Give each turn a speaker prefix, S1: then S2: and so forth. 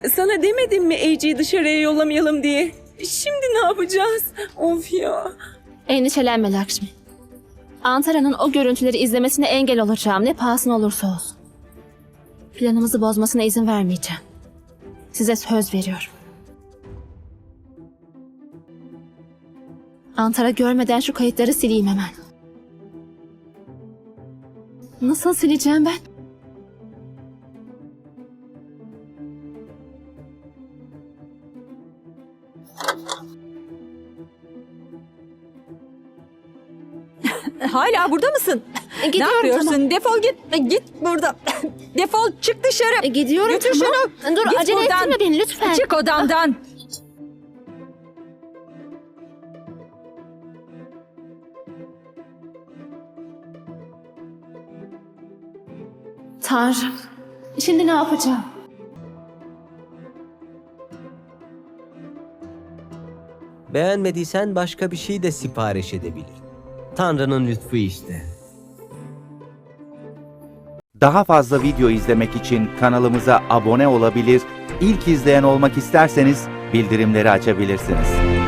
S1: Sana demedim mi AJ'yi dışarıya yollamayalım diye? Şimdi ne yapacağız? Of ya.
S2: Endişelenme Lakshmi. Antara'nın o görüntüleri izlemesine engel olacağım ne pahasına olursa olsun. Planımızı bozmasına izin vermeyeceğim. Size söz veriyorum. Antara görmeden şu kayıtları sileyim hemen. Nasıl sileceğim ben?
S3: Hala burada mısın? Ne
S2: Gidiyorum,
S3: yapıyorsun?
S2: tamam.
S3: Defol git. Git burada. Defol çık dışarı.
S2: Gidiyorum,
S3: Götür
S2: tamam.
S3: şunu.
S2: Dur,
S3: Git
S2: acele
S3: buradan.
S2: ettirme beni lütfen.
S3: Çık odamdan.
S2: Tanrım. Şimdi ne yapacağım?
S4: Beğenmediysen başka bir şey de sipariş edebilir. Tanrı'nın lütfu işte.
S5: Daha fazla video izlemek için kanalımıza abone olabilir, ilk izleyen olmak isterseniz bildirimleri açabilirsiniz.